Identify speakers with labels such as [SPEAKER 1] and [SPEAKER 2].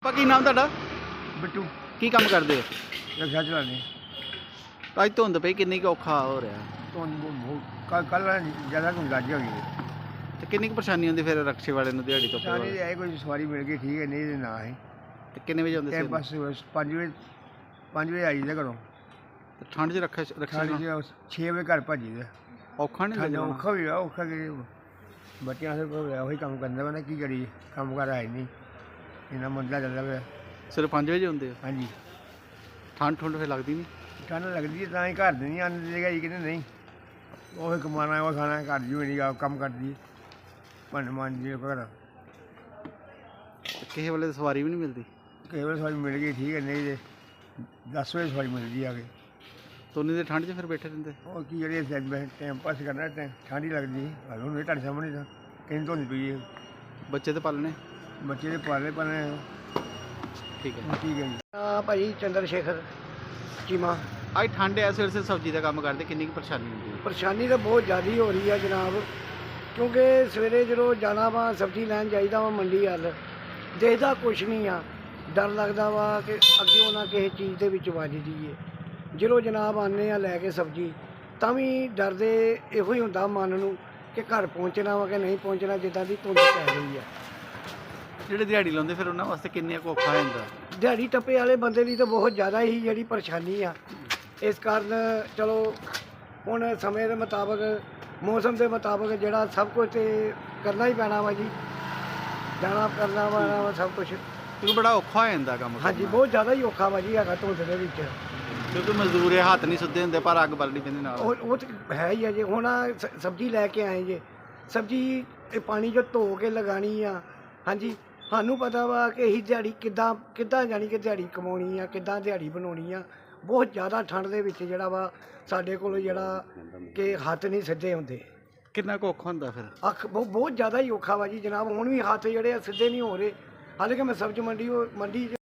[SPEAKER 1] ਕੀ ਨਾਮ ਤੁਹਾਡਾ?
[SPEAKER 2] ਬਿੱਟੂ
[SPEAKER 1] ਕੀ ਕੰਮ ਕਰਦੇ ਹੋ?
[SPEAKER 2] ਰਕਸ਼ਾ ਚਲਾਉਂਦੇ।
[SPEAKER 1] ਅੱਜ ਧੁੰਦ ਪਈ, ਕਿੰਨੀ ਕੁ ਔਖਾ ਹੋ ਰਿਹਾ
[SPEAKER 2] ਤੁਹਾਨੂੰ ਕੱਲ ਜ਼ਿਆਦਾ ਕੋਈ ਲੱਗ ਹੋ ਗਈ
[SPEAKER 1] ਤੇ ਕਿੰਨੀ ਕੁ ਪਰੇਸ਼ਾਨੀ ਹੁੰਦੀ ਫਿਰ ਰਕਸ਼ੇ ਵਾਲੇ ਨੂੰ ਦਿਹਾੜੀ ਤੋਂ?
[SPEAKER 2] ਸਾਰੇ ਆਏ ਕੋਈ ਸਵਾਰੀ ਮਿਲ ਗਈ ਠੀਕ ਹੈ, ਨਹੀਂ ਤੇ ਨਾ ਹੈ।
[SPEAKER 1] ਤੇ ਕਿੰਨੇ ਵਜੇ ਆਉਂਦੇ
[SPEAKER 2] ਟਾਈਮ
[SPEAKER 1] ਸੀ?
[SPEAKER 2] ਪਾਸ 5 ਵਜੇ ਆਈ ਦਾ ਘਰੋਂ।
[SPEAKER 1] ਤੇ ਠੰਡ 'ਚ ਰਕਸ਼ੇ
[SPEAKER 2] ਠੰਡ 6 ਵਜੇ ਘਰ ਭੱਜੀ ਦਾ।
[SPEAKER 1] ਔਖਾ ਨਹੀਂ
[SPEAKER 2] ਠੰਡ
[SPEAKER 1] ਲੱਗਦਾ?
[SPEAKER 2] ਔਖਾ ਵੀ ਆ, ਔਖਾ ਕਿ ਬੱਚਿਆਂ ਦੇ ਕੋਲ ਉਹੀ ਕੰਮ ਕਰਨਾ ਵਾ ਨਾ, ਕੀ ਕਰੀਏ, ਕੰਮ ਕਰ ਆਏ ਨਹੀਂ, ਇੰਨਾ ਮੰਦਾ ਚੱਲਦਾ ਪਿਆ।
[SPEAKER 1] ਸਿਰਫ 5 ਵਜੇ ਆਉਂਦੇ ਹੋ?
[SPEAKER 2] ਹਾਂਜੀ।
[SPEAKER 1] ਠੰਡ ਫਿਰ ਲੱਗਦੀ ਨਹੀਂ?
[SPEAKER 2] ਠੰਡ ਲੱਗਦੀ ਹੈ ਤਾਂ ਹੀ ਘਰ ਦੇ ਨਹੀਂ ਆਉਂਦੇ ਹੈਗੇ, ਕਹਿੰਦੇ ਨਹੀਂ ਉਹ ਕਮਾਉਣਾ ਉਹ ਖਾਣਾ, ਘਰ ਜੀ ਨਹੀਂ ਕੰਮ ਕਰਦੀ ਭਾਂਡੇ ਮਾਂਜੀ ਘਰ।
[SPEAKER 1] ਕਿਸੇ ਵੇਲੇ ਸਵਾਰੀ ਵੀ ਨਹੀਂ ਮਿਲਦੀ?
[SPEAKER 2] ਕਈ ਵਾਰ ਸਵਾਰੀ ਮਿਲ ਗਈ ਠੀਕ ਹੈ, ਨਹੀਂ ਤੇ 10 ਵਜੇ ਸਵਾਰੀ ਮਿਲਦੀ ਆ ਕੇ।
[SPEAKER 1] ਤੋਨੀ ਦੇ ਠੰਡ 'ਚ ਫਿਰ ਬੈਠੇ ਰਹਿੰਦੇ?
[SPEAKER 2] ਉਹ ਕੀ ਜਿਹੜੇ ਟਾਈਮ ਪਾਸ ਕਰਨਾ, ਠੰਡ ਹੀ ਲੱਗਦੀ। ਹੁਣ ਵੀ ਤੁਹਾਡੇ ਸਾਹਮਣੇ ਤਾਂ ਕਿੰਨੀ ਧੁੰਦ ਪਈ ਹੈ।
[SPEAKER 1] ਬੱਚੇ ਤੇ ਪਾਲਣੇ?
[SPEAKER 2] ਬੱਚੇ ਦੇ ਪਾਲੇ
[SPEAKER 1] ਠੀਕ ਹੈ।
[SPEAKER 2] ਠੀਕ ਹੈ ਜੀ।
[SPEAKER 3] ਭਾਈ ਚੰਦਰ ਸ਼ੇਖਰ ਚੀਮਾ।
[SPEAKER 1] ਅੱਜ ਠੰਡ ਐ, ਸਵੇਰ ਸਬਜ਼ੀ ਦਾ ਕੰਮ ਕਰਦੇ, ਕਿੰਨੀ ਕੁ ਪਰੇਸ਼ਾਨੀ ਹੁੰਦੀ ਹੈ?
[SPEAKER 3] ਪਰੇਸ਼ਾਨੀ ਤਾਂ ਬਹੁਤ ਜ਼ਿਆਦਾ ਹੋ ਰਹੀ ਆ ਜਨਾਬ, ਕਿਉਂਕਿ ਸਵੇਰੇ ਜਦੋਂ ਜਾਣਾ ਵਾ ਸਬਜ਼ੀ ਲੈਣ ਜਾਈਦਾ ਵਾ ਮੰਡੀ ਵੱਲ, ਦੇਖਦਾ ਕੁਛ ਨਹੀਂ ਆ, ਡਰ ਲੱਗਦਾ ਵਾ ਕਿ ਅੱਗੇ ਨਾ ਕਿਸੇ ਚੀਜ਼ ਦੇ ਵਿੱਚ ਵੱਜ ਜਾਈਏ। ਜਦੋਂ ਜਨਾਬ ਆਉਂਦੇ ਆ ਲੈ ਕੇ ਸਬਜ਼ੀ, ਤਾਂ ਵੀ ਡਰਦੇ ਇਹੋ ਹੀ ਹੁੰਦਾ ਮਨ ਨੂੰ ਕਿ ਘਰ ਪਹੁੰਚਣਾ ਵਾ ਕਿ ਨਹੀਂ ਪਹੁੰਚਣਾ, ਜਿੱਦਾਂ ਦੀ ਧੁੰਦ ਪੈ ਰਹੀ ਆ।
[SPEAKER 1] ਜਿਹੜੇ ਦਿਹਾੜੀ ਲਾਉਂਦੇ ਫਿਰ ਉਹਨਾਂ ਵਾਸਤੇ ਕਿੰਨੇ ਕੁ ਔਖਾ ਹੋ ਜਾਂਦਾ?
[SPEAKER 3] ਦਿਹਾੜੀ ਟੱਪੇ ਵਾਲੇ ਬੰਦੇ ਲਈ ਤਾਂ ਬਹੁਤ ਜ਼ਿਆਦਾ ਹੀ ਜਿਹੜੀ ਪਰੇਸ਼ਾਨੀ ਆ। ਇਸ ਕਾਰਨ ਚਲੋ ਹੁਣ ਸਮੇਂ ਦੇ ਮੁਤਾਬਕ, ਮੌਸਮ ਦੇ ਮੁਤਾਬਕ ਜਿਹੜਾ ਸਭ ਕੁਝ ਤੇ ਕਰਨਾ ਹੀ ਪੈਣਾ ਵਾ ਜੀ, ਜਾਣਾ ਕਰਨਾ ਵਾ ਸਭ ਕੁਝ।
[SPEAKER 1] ਕਿਉਂਕਿ ਬੜਾ ਔਖਾ ਹੋ ਜਾਂਦਾ ਕੰਮ।
[SPEAKER 3] ਹਾਂਜੀ, ਬਹੁਤ ਜ਼ਿਆਦਾ ਹੀ ਔਖਾ ਵਾ ਜੀ ਹੈਗਾ ਧੁੰਦ ਦੇ ਵਿੱਚ।
[SPEAKER 1] ਕਿਉਂਕਿ ਮਜ਼ਦੂਰ ਇਹ ਹੱਥ ਨਹੀਂ ਸੁੱਧੇ ਹੁੰਦੇ, ਪਰ ਅੱਗ ਬਲਣੀ ਪੈਂਦੀ ਨਾਲ।
[SPEAKER 3] ਉਹ ਤਾਂ ਹੈ ਹੀ ਆ ਜੀ। ਹੁਣ ਸਬਜ਼ੀ ਲੈ ਕੇ ਆਏ ਜੇ, ਸਬਜ਼ੀ ਇਹ ਪਾਣੀ 'ਚ ਧੋ ਕੇ ਲਗਾਉਣੀ ਆ। ਹਾਂਜੀ, ਸਾਨੂੰ ਪਤਾ ਵਾ ਕਿ ਅਸੀਂ ਦਿਹਾੜੀ ਕਿੱਦਾਂ ਜਾਣੀ ਕਿ ਦਿਹਾੜੀ ਕਮਾਉਣੀ ਆ, ਕਿੱਦਾਂ ਦਿਹਾੜੀ ਬਣਾਉਣੀ ਆ। ਬਹੁਤ ਜ਼ਿਆਦਾ ਠੰਡ ਦੇ ਵਿੱਚ ਜਿਹੜਾ ਵਾ ਸਾਡੇ ਕੋਲ ਜਿਹੜਾ ਕਿ ਹੱਥ ਨਹੀਂ ਸਿੱਧੇ ਹੁੰਦੇ।
[SPEAKER 1] ਕਿੰਨਾ ਕੁ ਔਖਾ ਹੁੰਦਾ ਫਿਰ?
[SPEAKER 3] ਬਹੁਤ ਜ਼ਿਆਦਾ ਹੀ ਔਖਾ ਵਾ ਜੀ ਜਨਾਬ। ਹੁਣ ਵੀ ਹੱਥ ਜਿਹੜੇ ਆ ਸਿੱਧੇ ਨਹੀਂ ਹੋ ਰਹੇ। ਹਾਲਾਂਕਿ ਮੈਂ ਸਬਜ਼ੀ ਮੰਡੀ 'ਚ